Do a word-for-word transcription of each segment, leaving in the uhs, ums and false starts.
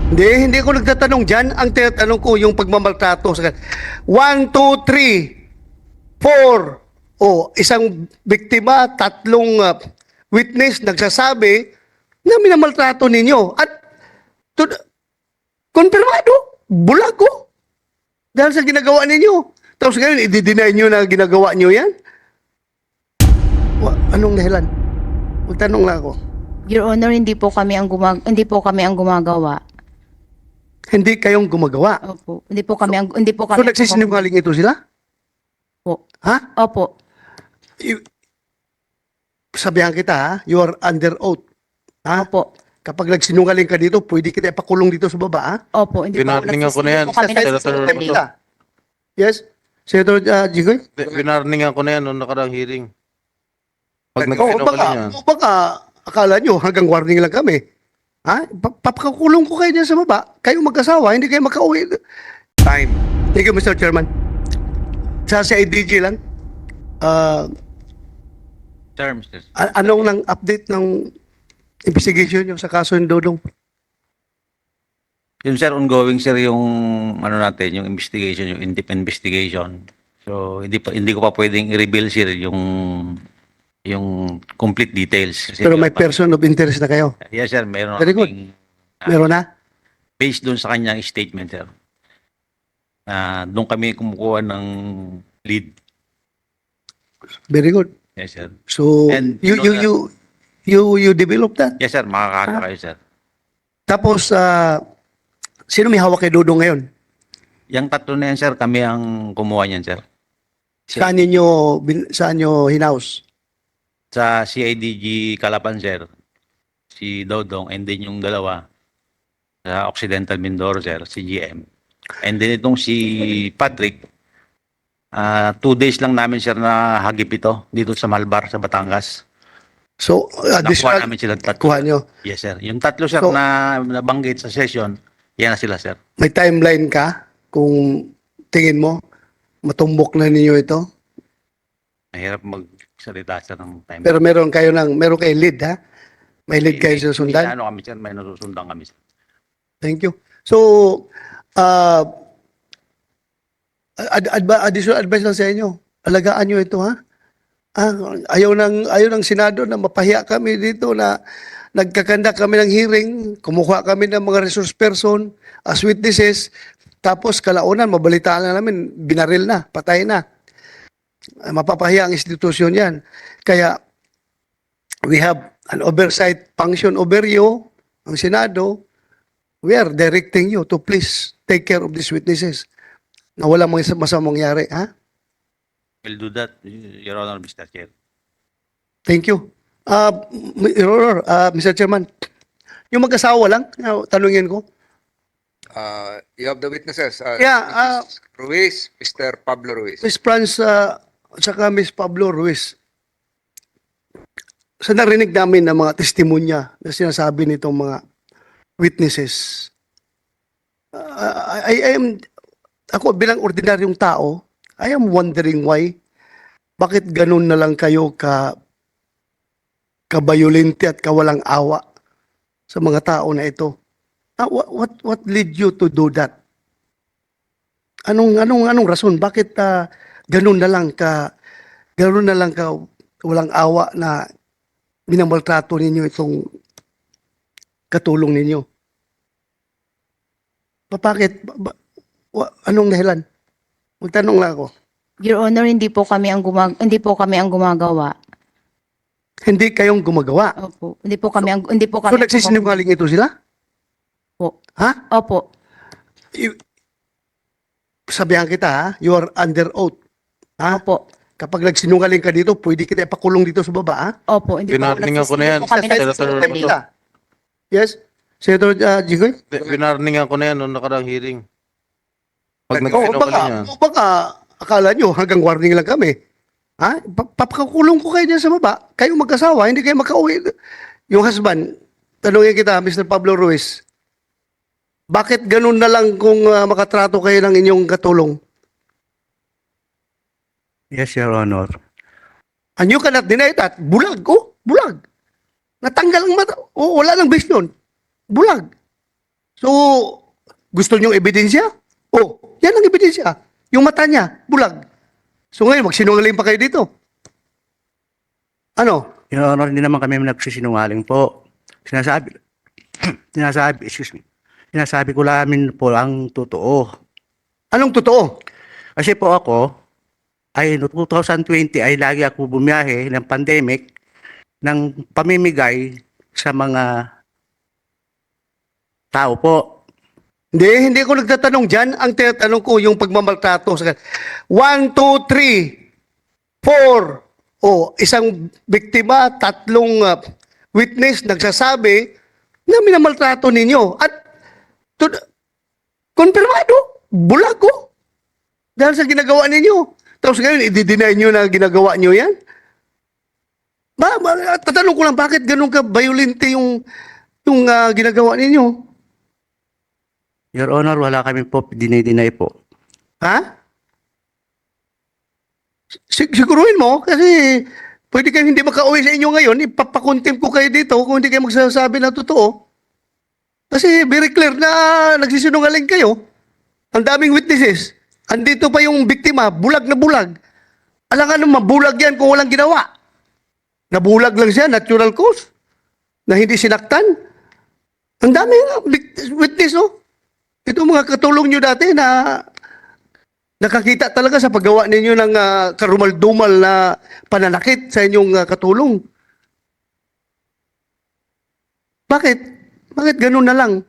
Hindi, hindi ko nagtatanong dyan. Ang tinatanong ko yung pagmamaltrato. Sa One, two, three, four. O, isang biktima, tatlong uh, witness nagsasabi na minamaltrato ninyo. At to, konfirmado, bulag ko. Dahil sa ginagawa ninyo. Tapos ngayon, i-deny nyo na ginagawa nyo yan? Wa, anong dahilan? Magtanong lang ako. Your Honor, hindi po kami ang gumag hindi po kami ang gumagawa. Hindi kayong gumagawa. Opo. Hindi po kami ang hindi po So kami. nagsisinungaling ito sila? Po. Ha? Opo. You- Sabihan kita ha, you are under oath. Ha? Opo. Kapag nagsinungaling ka dito, pwede kita ipakulong dito sa baba ha? Opo, hindi po Winarningan ko na yan, hindi po kami Senator nagsisinungaling. Bato. Yes? Senator uh, Jigoy? Winarningan ko na yan noong nakarang hearing. Pag Oo, baka, nagsinungaling yan. o baka akala nyo hanggang warning lang kami. Ha? Pa- Papakulong ko kayo dyan sa baba. Kayo mag-asawa, hindi kayo makauwi. Time. Thank you, Mister Chairman. Sa C I D G lang, ah, Sir, Mister a- anong nang update ng investigation nyo sa kaso ng Dodong? Yun sir, ongoing sir yung ano natin, yung investigation, yung in-depth investigation. So hindi pa hindi ko pa pwedeng i-reveal sir yung yung complete details. Kasi Pero may pa- person of interest na kayo. Yes sir, meron Very good. kaming, ah, Meron na? based doon sa kanyang statement sir. Na doon kami kumukuha ng lead. Very good. Yes sir. So, And you, you know you, that- you, you, you develop that. Yes sir, makakata kayo sir. Tapos, ah, sino may hawak kay Dodong ngayon? Yung tatlo na yan sir, kami ang kumuha niyan sir. Saan ninyo, bin- saan nyo hinaus? Sa C I D G Calapan sir, si Dodong, and then yung dalawa sa Occidental Mindoro sir, si G M. And then itong si Patrick, ah two days lang namin sir na hagip ito dito sa Malbar, sa Batangas. So, Nakuha additional, namin sila tatlo. kuha nyo. Yes sir. Yung tatlo sir So- na nabanggit sa session, yan na sila sir. May timeline ka kung tingin mo matumbok na ninyo ito. Mahirap magsalita sir ng time. Pero meron kayo ng, meron kayo lead ha? May lead kayo sa May sundan? ano kami sir, may nasusundan kami sir. Thank you. So, uh, ad, adva- additional advice lang sa inyo. Alagaan nyo ito, ha? Ah, ayaw ng, ayaw ng Senado na mapahiya kami dito na nagkakanda kami ng hearing, kumuha kami ng mga resource person as witnesses, tapos kalaunan, mabalitaan na namin, binaril na, patay na. Ah, mapapahiya ang institusyon yan. Kaya, we have an oversight function over you, ang Senado. We are directing you to please take care of these witnesses na walang mga masamang mangyari, ha? We'll do that, Your Honor, Mister Chair. Thank you. Uh, Your Honor, uh, Mister Chairman, yung mag-asawa lang, uh, tanungin ko. Uh, you have the witnesses. Uh, Yeah, uh, Missus Ruiz, Mister Pablo Ruiz. Miss Franz, uh, at saka Miss Pablo Ruiz, sa narinig namin ng mga testimonya na sinasabi nitong mga witnesses, uh, I, I am, ako bilang ordinaryong tao, I am wondering why, bakit ganun na lang kayo ka kabayolente at kawalang awa sa mga tao na ito? Ah, what, what, what led you to do that? Anong, anong, anong rason? Bakit ah, ganun na lang ka, ganun na lang ka walang awa na minamaltrato ninyo itong katulong ninyo? Ba- Bakit? Ba- ba- wa- anong dahilan? Magtanong lang ako. Your Honor, hindi po kami ang gumag hindi po kami ang gumagawa. Hindi kayong gumagawa. Opo. Hindi po kami ang hindi po So kami. nagsisinungaling ito sila? Po. Ha? Opo. You- Sabihan kita ha, you are under oath. Ha? Opo. Kapag nagsinungaling ka dito, pwede kita ipakulong dito sa baba ha? Opo, hindi po Winarningan ko na yan, hindi po kami Senator nagsisinungaling. Bato. Yes? Senator uh, Jigoy? Winarningan ko na yan noong nakarang hearing. Pag Oo, nagsinungaling baka, yan. o baka akala nyo hanggang warning lang kami. Ha? Pa- Papakulong ko kayo dyan sa baba. Kayo mag-asawa, hindi kayo makauwi. Yung husband, tanungin kita, Mister Pablo Ruiz, bakit ganun na lang kung ah, makatrato kayo ng inyong katulong? Yes, Your Honor. And you cannot deny that. Bulag, oh, bulag. Natanggal ang mata. Oh, wala nang base nun. Bulag. So, gusto niyong ebidensya? Oh, yan ang ebidensya. Yung mata niya, bulag. So ngayon, magsinungaling pa kayo dito. Ano? Your Honor, hindi naman kami nagsisinungaling po. Sinasabi, sinasabi, excuse me, sinasabi ko lamin po ang totoo. Anong totoo? Kasi po ako, ay no twenty twenty ay lagi ako bumiyahe ng pandemic ng pamimigay sa mga tao po. Hindi, hindi ako nagtatanong dyan. Ang tinatanong ko, yung pagmamaltrato. Sa One, two, three, four. O, isang biktima, tatlong uh, witness nagsasabi na minamaltrato ninyo. At, to, konfirmado, bulag ko. Dahil sa ginagawa ninyo. Tapos ngayon, i-deny nyo na ginagawa nyo yan? Ba, ba, tatanong ko lang, bakit ganun ka violente yung, yung uh, ginagawa ninyo? Your Honor, wala kami po dinay-deny po. Ha? Sig- siguruhin mo kasi pwede kayong hindi makauwi sa inyo ngayon, ipapakontempt ko kayo dito kung hindi kayo magsasabi ng totoo. Kasi very clear na nagsisinungaling kayo. Ang daming witnesses. Andito pa yung biktima, bulag na bulag. Alam nga naman, bulag yan kung walang ginawa. Nabulag lang siya, natural cause. Na hindi sinaktan. Ang daming bik- witness, oh. Ito mga katulong nyo dati na nakakita talaga sa paggawa ninyo ng uh, karumal-dumal na pananakit sa inyong uh, katulong. Bakit? Bakit ganun na lang?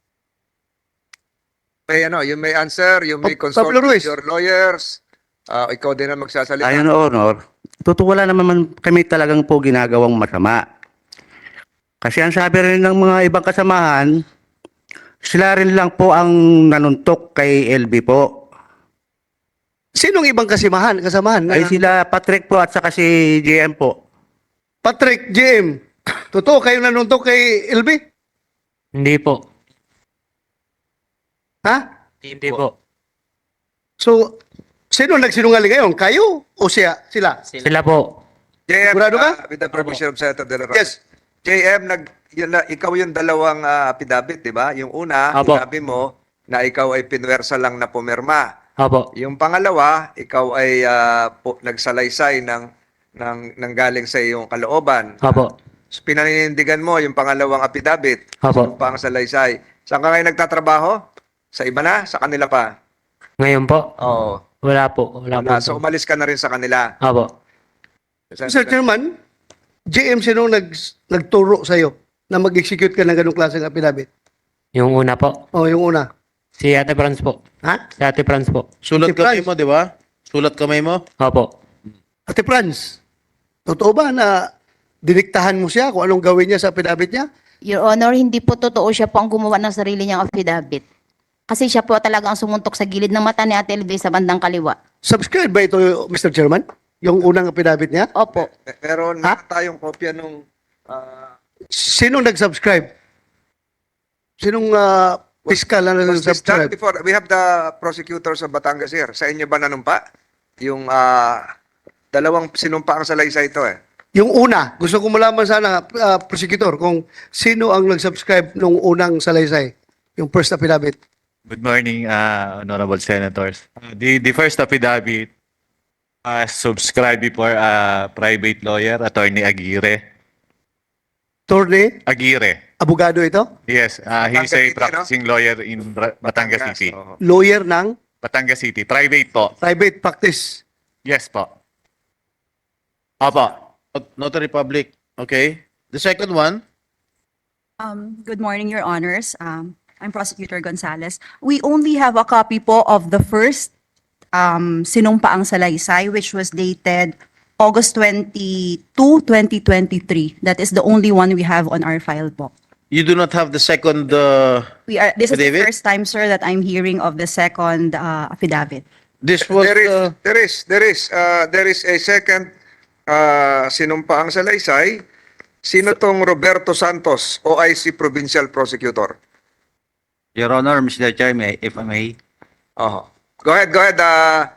May ano, you may answer, you may Pa- consult Pablo with Ruiz. your lawyers. Ah, ikaw din ang magsasalita. Ayon, Your Honor, totoo wala naman kami talagang po ginagawang masama. Kasi ang sabi rin ng mga ibang kasamahan, sila rin lang po ang nanuntok kay L B po. Sinong ibang kasimahan, kasamahan? Ay sila Patrick po at saka si J M po. Patrick, J M. Totoo, kayo nanuntok kay L B? Hindi po. Ha? Hindi po. So, sino nagsinungaling ngayon? Kayo o siya? Sila? Sila po. J M, Sigurado ka? ah, with the permission of Senator De La Rosa. Yes. J M, nag, yun na, ikaw yung dalawang ah, affidavit, di ba? Yung una, Apo. sinabi mo na ikaw ay pinwersa lang na pumirma. Opo. Yung pangalawa, ikaw ay ah, po, nagsalaysay ng, ng, ng galing sa iyong kalooban. Opo. So, pinaninindigan mo yung pangalawang affidavit. Opo. Yung pang salaysay. Saan ka ngayon nagtatrabaho? Sa iba na? Sa kanila pa? Ngayon po? Oo. Wala po. Wala po. Wala. So, umalis ka na rin sa kanila. Opo. Mister Chairman, J M, sino nag, nagturo sa'yo na mag-execute ka ng ganong klaseng affidavit? Yung una po. O, yung una. Si Ate Franz po. Ha? Si Ate Franz po. Sulat Si kamay Franz. mo, di ba? Sulat kamay mo? Opo. Ate Franz, totoo ba na diniktahan mo siya kung anong gawin niya sa affidavit niya? Your Honor, hindi po totoo siya po ang gumawa ng sarili niyang affidavit. Kasi siya po talaga ang sumuntok sa gilid ng mata ni Ate Elvie sa bandang kaliwa. Subscribe ba ito, Mister Chairman? Yung unang affidavit niya? Opo. Me- Meron Ha? na tayong kopya nung ah, Sinong nag-subscribe? Sinong uh, piskal na was this done nag-subscribe? before? We have the prosecutors of Batangas here. Sa inyo ba nanumpa? Yung ah, dalawang sinumpa ang salaysay ito eh. Yung una, gusto ko malaman sana, uh, prosecutor, kung sino ang nag-subscribe nung unang salaysay, yung first affidavit. Good morning, uh, honorable senators. Uh, the, the first affidavit uh, subscribed before uh, private lawyer, Attorney Aguirre. Torne, Aguirre, abogado ito, yes, uh, he's Batangas a City, no? practicing lawyer in Bra- Batangas City. oo. lawyer ng Batangas City, private po. private practice. Yes po. Opo. Not- Notary Public. Okay. The second one, Um, good morning, Your Honors. Um, I'm Prosecutor Gonzales. We only have a copy po of the first um, sinumpaang salaysay, which was dated August twenty-second, twenty twenty-three. That is the only one we have on our file po. you do not have the second uh, We are, this is the Affidavit? first time, sir, that I'm hearing of the second uh, affidavit. this was There is, uh, there is, there is, uh, there is a second uh, sinumpa ang salaysay. Sino tong Roberto Santos, O I C Provincial Prosecutor? Your Honor, Mister Chair, may, if I may, Oh. Go ahead, go ahead. Uh,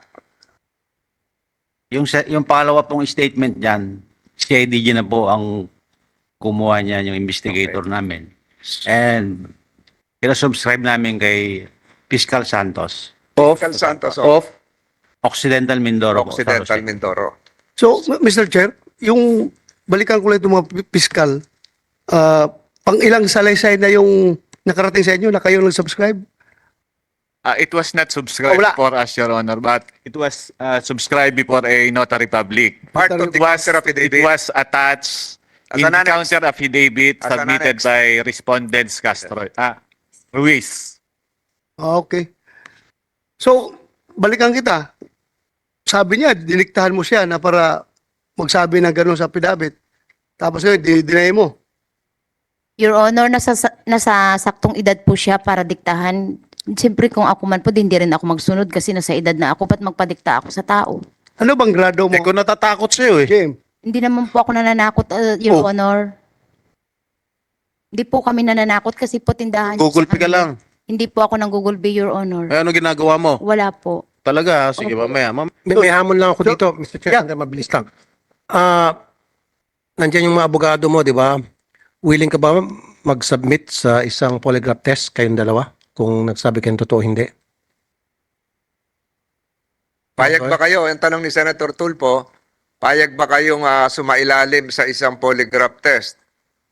yung, sa- yung pangalawa pong statement dyan, C I D G na po ang kumuha niya yung investigator namin. And Pinasubscribe namin kay Fiscal Santos, Cal Santos of Occidental Mindoro po, Occidental San Jose. Mindoro. So, M- Mister Chair, yung balikan ko lang itong mga pi- piskal, ah, pang ilang salaysay na yung nakarating sa inyo na kayo nag-subscribe? Uh, it was not subscribed Oh, wala. for us, Your Honor, but it was uh, subscribed before a notary public. Part of the It was, counter it affidavit. was attached As in an the annex. counter affidavit As an submitted annex. by respondents Castro. Ah, Ruiz. Ah, okay. So, balikan kita. Sabi niya, diniktahan mo siya na para magsabi ng gano'n sa affidavit. Tapos ngayon, dinay mo. Your Honor, nasa, nasa saktong edad po siya para diktahan. Siyempre kung ako man po, di hindi rin ako magsunod kasi nasa edad na ako, ba't magpadikta ako sa tao? Ano bang grado mo? Eh, kung natatakot sa'yo eh. Jim, Hindi naman po ako nananakot, uh, Your Oh. Honor. Hindi po kami nananakot kasi po tindahan niyo Google sa Pay ka kanila. lang. Hindi po ako ng Google Pay, Your Honor. Eh, ano ginagawa mo? Wala po. Talaga, ah. sige, Opo. mamaya. Mam May, may hamon lang ako dito, Mister Chair, yeah. Mabilis lang. Ah, nandiyan yung mga abogado mo, di ba? Willing ka ba mag-submit sa isang polygraph test kayong dalawa? Kung nagsabi kayong totoo, hindi. Payag ba kayo? Ang tanong ni Senator Tulfo, payag ba kayong ah, sumailalim sa isang polygraph test?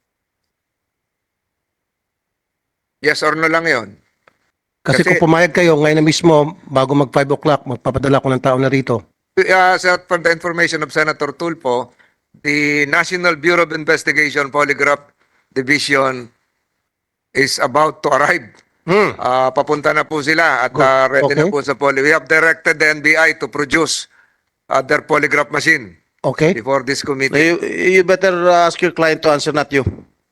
Yes or no lang yon. Kasi, Kasi- kung pumayag kayo, ngayon na mismo, bago mag five o'clock, magpapadala ko ng tao na rito. Uh, sa, for the information of Senator Tulfo, the National Bureau of Investigation Polygraph Division is about to arrive. Hmm. Ah, papunta na po sila at Good. ah, ready na Okay. po sa poly. We have directed the N B I to produce uh, their polygraph machine Okay? before this committee. you, you better uh, ask your client to answer, not you.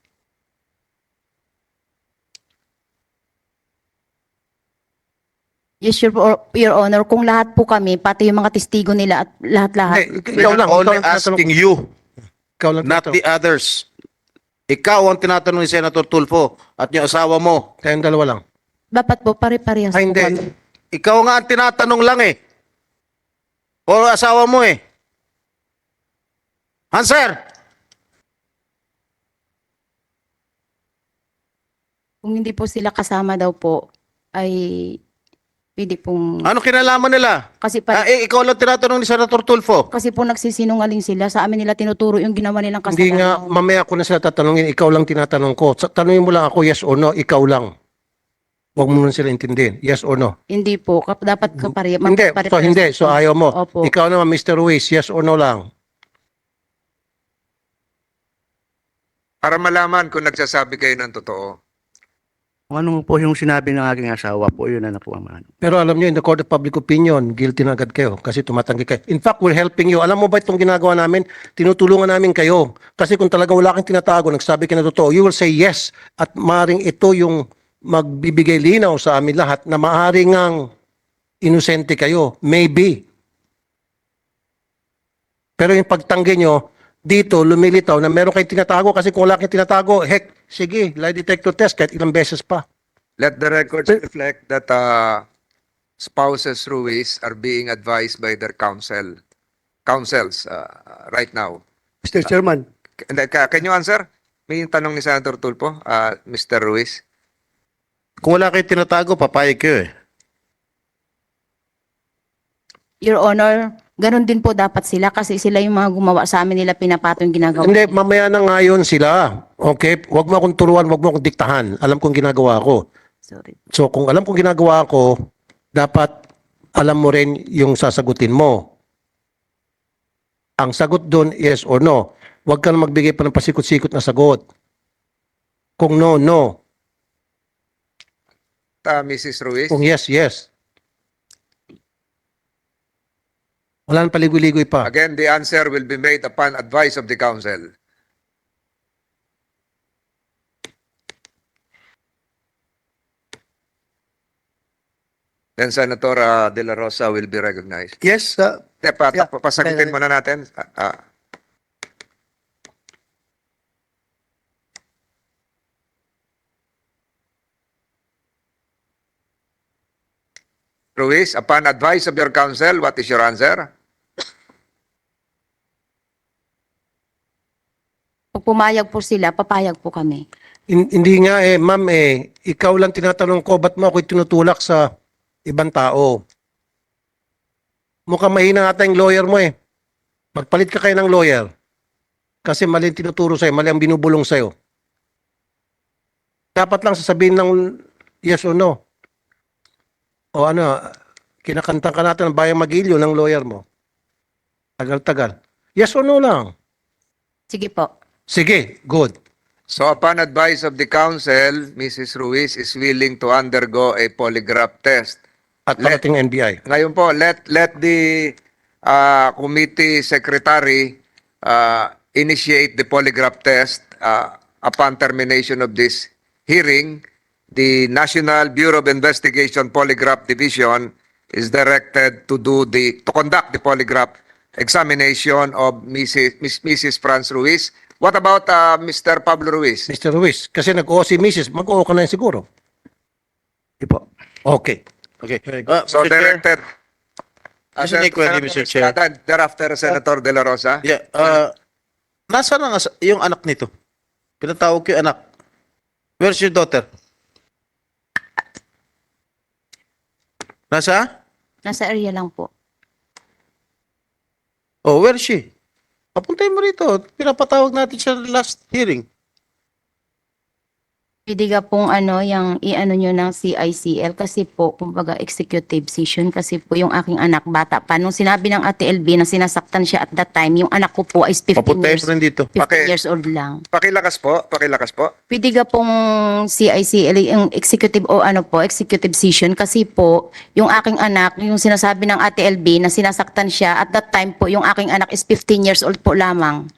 Yes, Your, Your Honor. Kung lahat po kami, pati yung mga testigo nila at lahat-lahat. Hindi, We ikaw are lang. Ikaw only lang tinatanong asking ko. you, Ikaw lang not tinatanong. the others. Ikaw ang tinatanong ni Senator Tulfo at yung asawa mo. Kayong dalawa lang. Dapat po, pare-parehas Ay, po hindi. kami. Ikaw nga ang tinatanong lang eh. O asawa mo eh. Answer! Kung hindi po sila kasama daw po, ay pwede pong... Ano kinalaman nila? Kasi Ah, pa, eh, ikaw lang tinatanong ni Senator Tulfo. kasi po nagsisinungaling sila. Sa amin nila tinuturo yung ginawa nilang Hindi nga, kasalanan. mamaya ko na sila tatanungin. Ikaw lang tinatanong ko. Sa- Tanungin mo lang ako, yes or no, ikaw lang. Huwag mo nun sila intindihin. Yes or no? Hindi po. Kap- Dapat kapare. Hindi. pare- So, hindi. So, ayaw mo. Opo. Ikaw naman, Mister Ruiz, yes or no lang. Para malaman kung nagsasabi kayo ng totoo. Kung ano po yung sinabi ng aking asawa po, yun na na po ang ano. Pero alam niyo, in the court of public opinion, guilty na agad kayo kasi tumatanggi kayo. In fact, we're helping you. Alam mo ba itong ginagawa namin? Tinutulungan namin kayo. Kasi kung talaga wala kang tinatago, nagsabi ka na totoo, you will say yes. At maaaring ito yung magbibigay linaw sa amin lahat na maaaring ang inosente kayo. Maybe. Pero yung pagtanggi nyo, dito lumilitaw na meron kayong tinatago kasi kung wala kayong tinatago, heck, sige, lie detector test kahit ilang beses pa. Let the records reflect that uh, spouses Ruiz are being advised by their counsel, counsels uh, right now. Mister Chairman, Can, can you answer? May tanong ni Senator Tulfo, uh, Mister Ruiz. Kung wala kayo tinatago, papayag kayo eh. Your Honor, ganun din po dapat sila kasi sila yung mga gumawa sa amin nila pinapato yung ginagawa. Hindi, mamaya na ngayon sila. Okay? Huwag mo akong turuan, huwag mo akong diktahan. Alam kong ginagawa ko. Sorry. So, kung alam kong ginagawa ko, dapat alam mo rin yung sasagutin mo. Ang sagot doon, yes or no. Huwag ka na magbigay pa ng pasikot-sikot na sagot. Kung no, no. Uh, Missus Ruiz. Kung yes, yes. Wala nang paligoy-ligoy pa. Again, the answer will be made upon advice of the counsel. Then Senator uh, De La Rosa will be recognized. yes, uh, Te, pa, Yeah. pa- pasagutin muna natin. Ah, ah. Ruiz, upon advice of your counsel, what is your answer? pumayag po sila, papayag po kami. hin- hindi nga eh, ma'am eh, ikaw lang tinatanong ko, ba't mo ako tinutulak sa ibang tao? Mukhang mahina ata yung lawyer mo eh. Magpalit ka kayo ng lawyer. Kasi mali ang tinuturo sa'yo, mali ang binubulong sa'yo. Dapat lang sasabihin ng yes or no. O ano, kinakanta ka natin ng Bayang Magilyo ng lawyer mo. Tagal-tagal. Yes or no lang. Sige po. Sige, good. So upon advice of the council, Missus Ruiz is willing to undergo a polygraph test. At Let- parating N B I. Ngayon po, let let the uh, committee secretary uh, initiate the polygraph test uh, upon termination of this hearing. The National Bureau of Investigation Polygraph Division is directed to do the to conduct the polygraph examination of Missus Miss Missus Franz Ruiz. What about uh, Mister Pablo Ruiz? Mister Ruiz, kasi nag-oo si Missus, mag-oo ka na yun siguro. Di po. Okay. Okay. Uh, So Mister Chair, directed. Uh, Just an inquiry, Mister Chair. Estrada, Thereafter, Senator De La Rosa. Yeah, uh, nasaan ang as- yung anak nito? Pinatawag ko yung anak. Where's your daughter? Nasa? Nasa area lang po. Oh, where is she? Papuntay mo rito. Pinapatawag natin siya last hearing. Pwede ka pong ano, yung i-ano nyo ng C I C L kasi po, kumbaga executive session kasi po yung aking anak bata pa. Nung sinabi ng Ate L B na sinasaktan siya at that time, yung anak ko po is fifteen Papuntay years, mo rin dito. fifteen Okay. years old lang. Pakilakas po, pakilakas po. Pwede ka pong C I C L, yung executive o ano po, executive session kasi po, yung aking anak, yung sinasabi ng Ate L B na sinasaktan siya at that time po, yung aking anak is fifteen years old po lamang.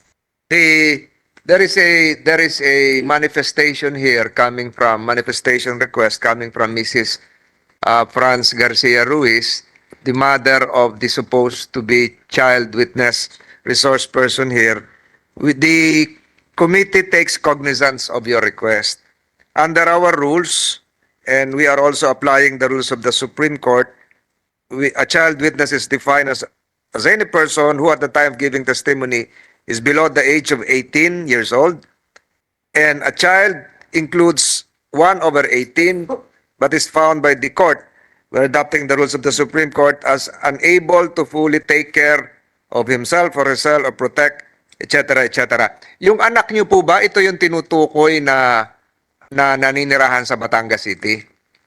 The there is a there is a manifestation here coming from manifestation request coming from Missus Uh, Franz Garcia Ruiz, the mother of the supposed to be child witness resource person here. With the committee takes cognizance of your request. Under our rules, and we are also applying the rules of the Supreme Court, we, a child witness is defined as as any person who at the time of giving testimony is below the age of eighteen years old, and a child includes one over eighteen, but is found by the court, when adopting the rules of the Supreme Court, as unable to fully take care of himself or herself or protect, et cetera, et cetera. Yung anak niyo po ba, ito yung tinutukoy na na naninirahan sa Batangas City?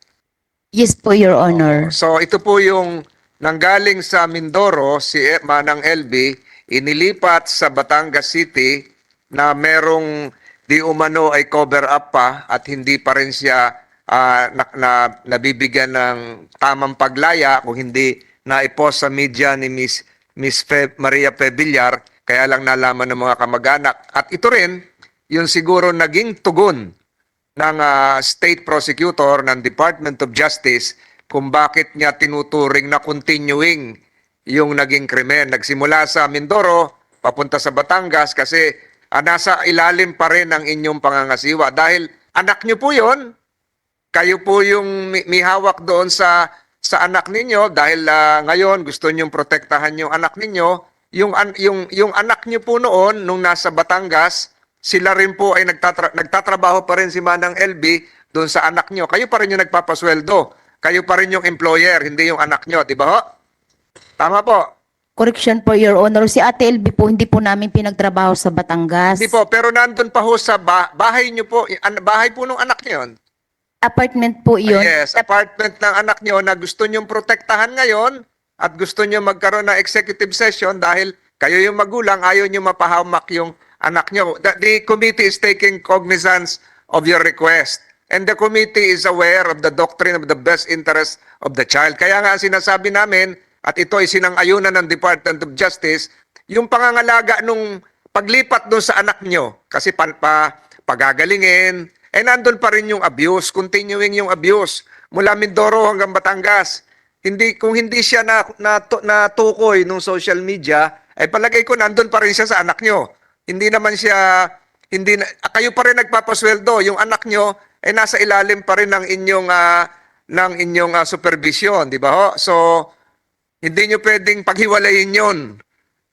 Yes po, Your Honor. So ito po yung nanggaling sa Mindoro, si E- Manang L B, inilipat sa Batangas City na merong di umano ay cover up pa at hindi pa rin siya ah, na, na, nabibigyan ng tamang paglaya kung hindi na-post sa media ni Miss Miss Fe, Maria Fe Villar, kaya lang nalaman ng mga kamag-anak. At ito rin, yung siguro naging tugon ng ah, state prosecutor ng Department of Justice kung bakit niya tinuturing na continuing yung naging krimen. Nagsimula sa Mindoro, papunta sa Batangas kasi ah, nasa ilalim pa rin ang inyong pangangasiwa. Dahil anak niyo po yon, kayo po yung may, may hawak doon sa sa anak ninyo dahil ah, ngayon gusto niyo protektahan yung anak ninyo. Yung, an- yung, yung anak niyo po noon, nung nasa Batangas, sila rin po ay nagtatra- nagtatrabaho pa rin si Manang L B doon sa anak niyo. Kayo pa rin yung nagpapasweldo. Kayo pa rin yung employer, hindi yung anak niyo, di ba ho? Tama po. Correction po, Your Honor. Si Ate L B po, hindi po namin pinagtrabaho sa Batangas. Hindi po, pero nandun pa ho sa ba- bahay niyo po, an- bahay po nung anak niyo yun. Apartment po yun. Ah, yes, apartment ng anak niyo na gusto niyong protektahan ngayon at gusto niyo magkaroon ng executive session dahil kayo yung magulang, ayaw niyo mapahamak yung anak niyo. The, the committee is taking cognizance of your request. And the committee is aware of the doctrine of the best interest of the child. Kaya nga sinasabi namin, at ito ay sinang-ayunan ng Department of Justice, yung pangangalaga nung paglipat doon sa anak nyo, kasi pa, pa, pagagalingin, eh nandun pa rin yung abuse, continuing yung abuse, mula Mindoro hanggang Batangas. Hindi, kung hindi siya na, na, natukoy nung social media, ay palagay ko nandun pa rin siya sa anak nyo. Hindi naman siya, hindi na, kayo pa rin nagpapasweldo, yung anak nyo ay nasa ilalim pa rin ng inyong, ah, ng inyong ah, supervision, di ba ho? So, hindi nyo pwedeng paghiwalayin yon.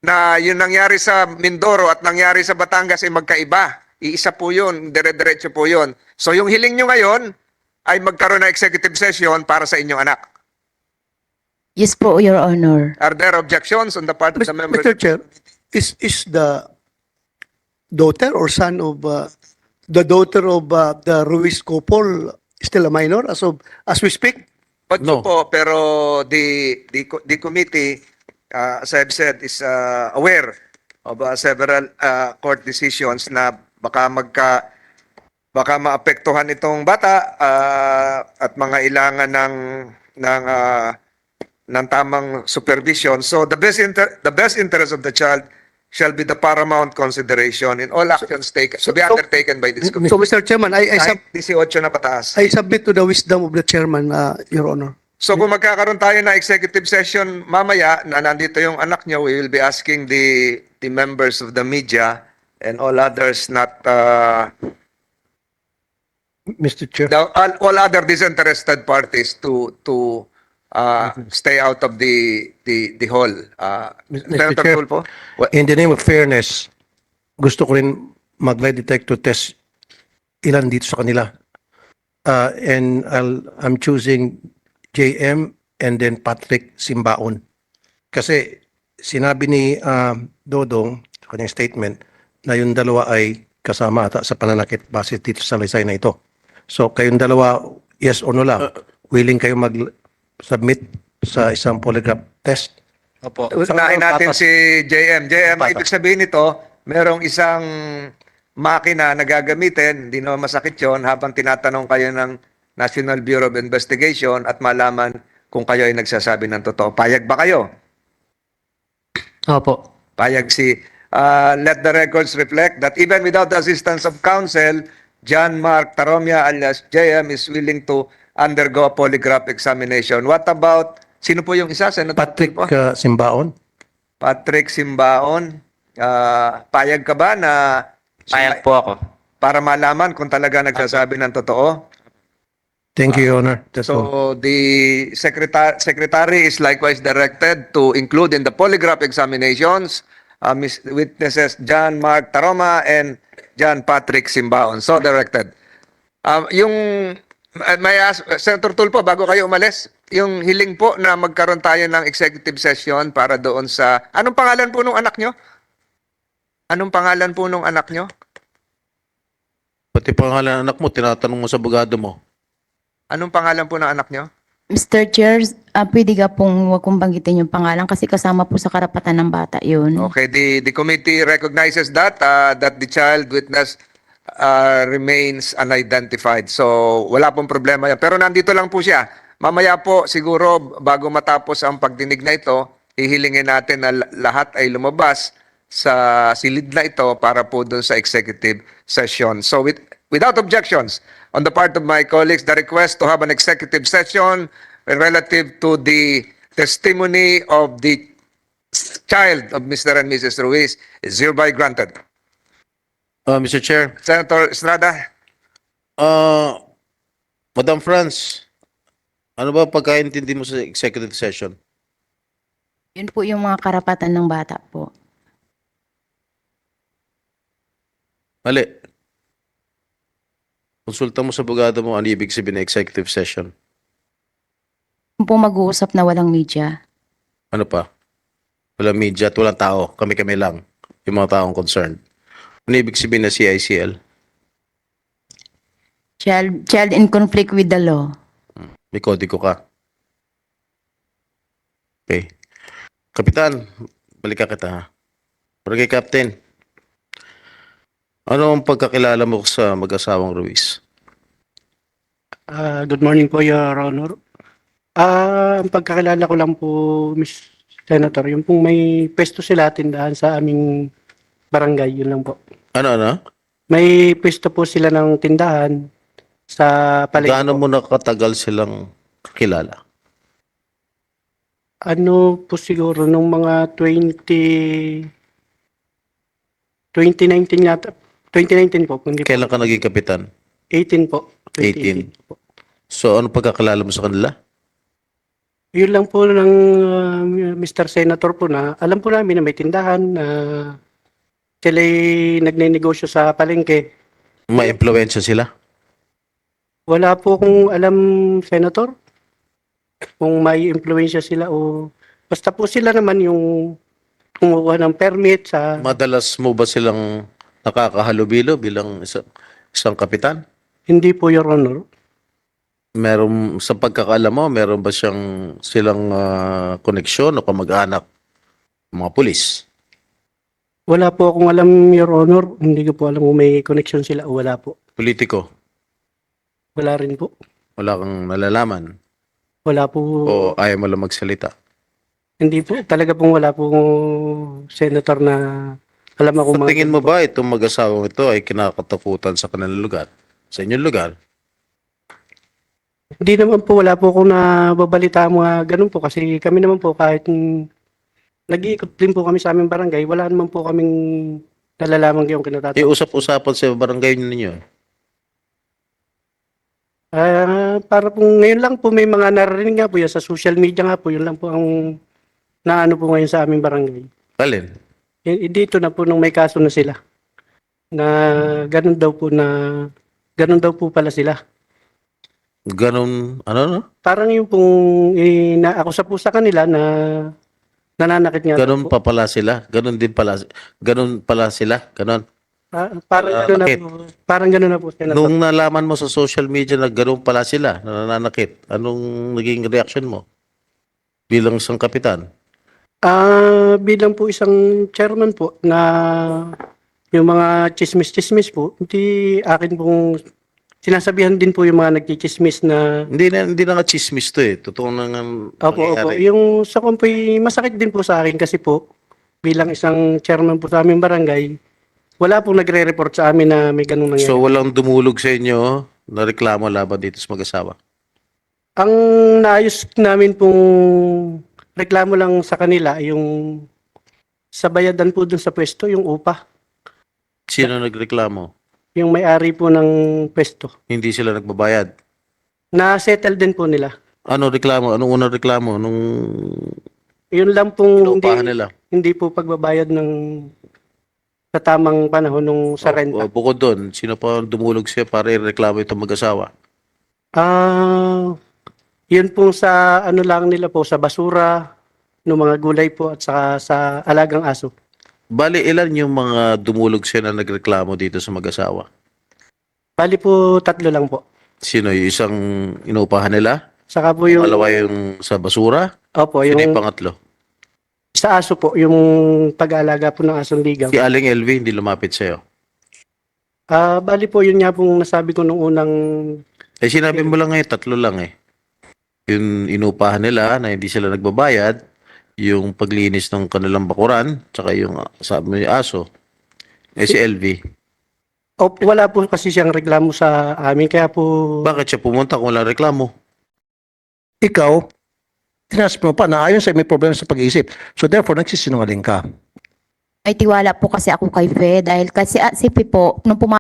na yung nangyari sa Mindoro at nangyari sa Batangas ay magkaiba. Iisa po yun, dire-diretso po yun. So yung hiling nyo ngayon ay magkaroon ng executive session para sa inyong anak. Yes po, Your Honor. Are there objections on the part of the members? Mister Chair, is is the daughter or son of uh, the daughter of uh, the Ruiz couple still a minor as of as we speak? Ocho No. po, pero the, the, co- the committee, uh, as I've said, is uh, aware of uh, several uh, court decisions na baka magka baka maapektuhan itong bata uh, at mga ilangan ng ng uh, ng tamang supervision. So the best inter- the best interest of the child shall be the paramount consideration in all actions taken to be so- undertaken by this committee. So Mister Chairman, I I, sub, Kahit eighteen na pataas. I submit to the wisdom of the chairman, uh, Your Honor. So kung magkakaroon tayo na executive session mamaya na nandito yung anak nyo, we will be asking the the members of the media and all others not uh, Mister Chair. the, all, all other disinterested parties to to uh, stay out of the the the hall. Uh, Mister Senator Chair. Tulfo? What- In the name of fairness, gusto ko rin mag-lie detector test ilan dito sa kanila. Uh, and I'll, I'm choosing J M and then Patrick Simbaon. Kasi sinabi ni uh, Dodong sa kanyang statement na yung dalawa ay kasama ata sa pananakit base dito sa lisay na ito. So kayong dalawa, yes or no lang, willing kayo mag-submit sa isang polygraph test? Opo. Unahin natin si J M. J M, ibig sabihin nito, merong isang makina na gagamitin, hindi naman masakit yon habang tinatanong kayo ng National Bureau of Investigation at malaman kung kayo ay nagsasabi ng totoo. Payag ba kayo? Opo. Payag si... Uh, let the records reflect that even without the assistance of counsel, John Mark Taromia alias J M is willing to undergo a polygraph examination. What about... Sino po yung isa? Senator Patrick Tulfo? uh, Simbaon? Patrick Simbaon, ah, payag ka ba na Payag po ako. para malaman kung talaga nagsasabi ng totoo? Thank you, Your Honor. That's all. So the secretary secretary is likewise directed to include in the polygraph examinations uh, Miss- witnesses John Mark Taroma and John Patrick Simbaon. So directed. Um, yung uh, may ask, Senator Tulfo, bago kayo umalis, yung hiling po na magkaroon tayo ng executive session para doon sa... Anong pangalan po nung anak nyo? Anong pangalan po nung anak nyo? Pati pangalan ng anak mo, tinatanong mo sa abogado mo. Anong pangalan po ng anak nyo? Mister Chair, ah, pwede ka pong wag kong banggitin yung pangalan kasi kasama po sa karapatan ng bata yun. Okay, the the committee recognizes that uh, that the child witness uh, remains unidentified. So wala pong problema yan. Pero nandito lang po siya. Mamaya po siguro bago matapos ang pagdinig na ito, hihilingin natin na lahat ay lumabas sa silid na ito para po doon sa executive session. So with, without objections on the part of my colleagues, the request to have an executive session relative to the testimony of the child of Mister and Missus Ruiz is hereby granted. Uh, Mister Chair, Senator Estrada, uh, Madam France, ano ba pagkaintindi mo sa executive session? Yun po yung mga karapatan ng bata po. Mali. Konsulta mo sa abogado mo ano ibig sabihin ng executive session. Yung po mag-uusap na walang media. Ano pa? Walang media at walang tao. Kami-kami lang. Yung mga taong concerned. Ano ibig sabihin na C I C L? Child, child in conflict with the law. May kodigo ka. Okay. Kapitan, balikan kita ha. Pero kay Captain, ano ang pagkakilala mo sa mag-asawang Ruiz? Ah, good morning po, Your Honor. Ah, ang pagkakilala ko lang po, Miss Senator, yung pong may pwesto sila tindahan sa aming barangay, yun lang po. Ano, ano? May pwesto po sila ng tindahan sa palengke Gaano po. mo nakatagal silang kakilala? Ano po siguro, nung mga twenty... twenty nineteen yata. twenty nineteen po. Hindi Kailan po. ka naging kapitan? eighteen po. eighteen. po. So, ano pagkakilala mo sa kanila? Yun lang po ng uh, mister Senator po na alam po namin na may tindahan na sila nagne-negosyo sa palengke. May impluwensya sila? Wala po akong alam, Senator, kung may impluensya sila o basta po sila naman yung kumuha ng permit sa... Madalas mo ba silang nakakahalubilo bilang isa, isang kapitan? Hindi po, Your Honor. Meron, sa pagkakaalam mo, meron ba siyang silang ah, koneksyon o kamag-anak mga pulis? Wala po akong alam, Your Honor. Hindi ko po alam kung may connection sila o wala po. Politiko? Wala rin po. Wala kang nalalaman? Wala po. O ayaw mo lang magsalita? Hindi po. Talaga pong wala pong senator na alam ako Sa tingin mo ba itong mag-asawang ito ay kinakatakutan sa kanilang lugar? Sa inyong lugar? Hindi naman po. Wala po akong nababalita mga ganun po. Kasi kami naman po kahit mm, nag-iikot din po kami sa aming barangay, wala naman po kaming nalalaman yung kinatatakot. Iusap-usapan sa barangay ninyo. Ah, para po ngayon lang po may mga naririnig nga po yan sa social media nga po, yun lang po ang naano po ngayon sa aming barangay. Alin? Y- dito na po nung may kaso na sila. Na ganun daw po na ganun daw po pala sila. Ganon, ano no? Parang yung pong inaakusa po sa kanila na nananakit nga daw Ganon po. pa pala sila. Ganon din pala. Ganon pala sila. Ganon. Ah, parang Ah, ganun na bakit? po. Parang ganun na po. Senator. Nung nalaman mo sa social media na ganon pala sila, na nananakit, anong naging reaction mo? Bilang isang kapitan? Ah, bilang po isang chairman po na yung mga chismis-chismis po, hindi akin pong sinasabihan din po yung mga nagchichismis na Hindi na, hindi na nga chismis to eh. Totoo na nga opo, opo. nangyayari. Yung sa kumpoy, masakit din po sa akin kasi po, bilang isang chairman po sa aming barangay, wala pong nagre-report sa amin na may ganung nangyari. So walang dumulog sa inyo na reklamo laban dito sa mag-asawa? Ang naayos namin pong reklamo lang sa kanila, yung sa bayadan po dun sa pwesto, yung upa. Sino nagreklamo? Yung may-ari po ng pwesto. Hindi sila nagbabayad? Na-settle din po nila. Ano reklamo? Anong unang reklamo? Nung Yun lang pong inuupahan hindi, nila? hindi po pagbabayad ng sa tamang panahon nung sa O, renta. bukod doon, sino pa ang dumulog siya para ireklamo itong mag-asawa? Ah, yun po sa ano lang nila po, sa basura, ng mga gulay po at saka sa alagang aso. Bali, ilan yung mga dumulog siya na nagreklamo dito sa mag-asawa? Bali po tatlo lang po. Sino? Yung isang inuupahan nila? Saka po yung, Malawa yung sa basura? opo, Sino yung yung pangatlo? sa aso po, yung pag-aalaga po ng asong ligaw. Si Aling L V hindi lumapit sa'yo. Ah, bali po yun nga pong nasabi ko nung unang Eh sinabi mo lang ngayon, tatlo lang eh. Yung inupahan nila na hindi sila nagbabayad, yung paglinis ng kanilang bakuran, tsaka yung ah, sabi mo yung aso. Eh si L V, o, wala po kasi siyang reklamo sa amin kaya po bakit siya pumunta kung walang reklamo? Ikaw, tinas mo pa na ayon sa may problema sa pag-iisip. So therefore, nagsisinungaling ka. May tiwala po kasi ako kay Fe dahil kasi ah, si Fe po, nung puma